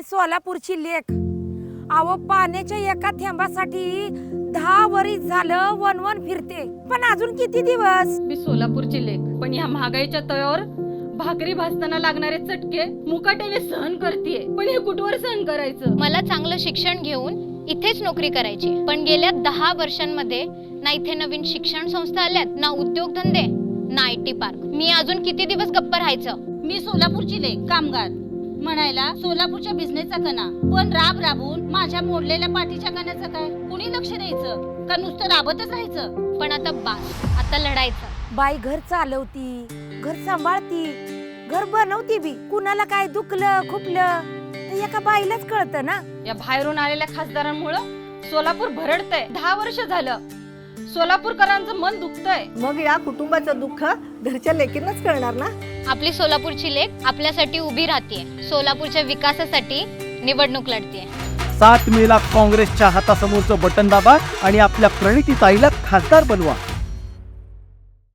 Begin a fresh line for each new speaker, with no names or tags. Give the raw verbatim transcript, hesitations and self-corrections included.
सोलापूरची लेक. अहो पाण्याच्या एका थेंबासाठी दहा वर्ष झालं वन वन फिरते, पण अजून किती दिवस?
मी सोलापूरची लेक, पण या महागाईच्या तळावर भाकरी भाजताना लागणारे चटके मुकाट्याने सहन करतेय. पण हे कुठवर सहन करायचं?
मला चांगलं शिक्षण घेऊन इथेच नोकरी करायची, पण गेल्या दहा वर्षांमध्ये ना इथे नवीन शिक्षण संस्था आल्यात, ना उद्योगधंदे, ना आय टी पार्क. मी अजून किती दिवस गप्प राहायचं?
मी सोलापूरची लेक, कामगार म्हणायला सोलापूरच्या बिझनेसचा कणा, पण राब राबून माझ्या मोडलेल्या पाठीच्या कण्याचं काय? कुणी लक्ष द्यायचं का नुसतं राबतच राहायचं?
पण आता बास, आता लढायचं.
बाई घर चालवती, घर सांभाळती, घर बनवती बी. कुणाला काय दुखलं खुपलं तर एका बाईलाच कळतं ना.
या बाहेरून आलेल्या खासदारांमुळे सोलापूर भरडतंय. दहा वर्ष झालं सोलापूरकरांचं मन दुखतंय.
मग या कुटुंबाचं दुःख घरच्या लेकींनाच कळणार ना.
आपली सोलापूरची लेक आपल्यासाठी उभी राहतेय, सोलापूरच्या विकासासाठी निवडणूक लढतेय.
सात मेला काँग्रेसच्या हातासमोरचं बटन दाबा आणि आपल्या प्रणिती ताईला खासदार बनवा.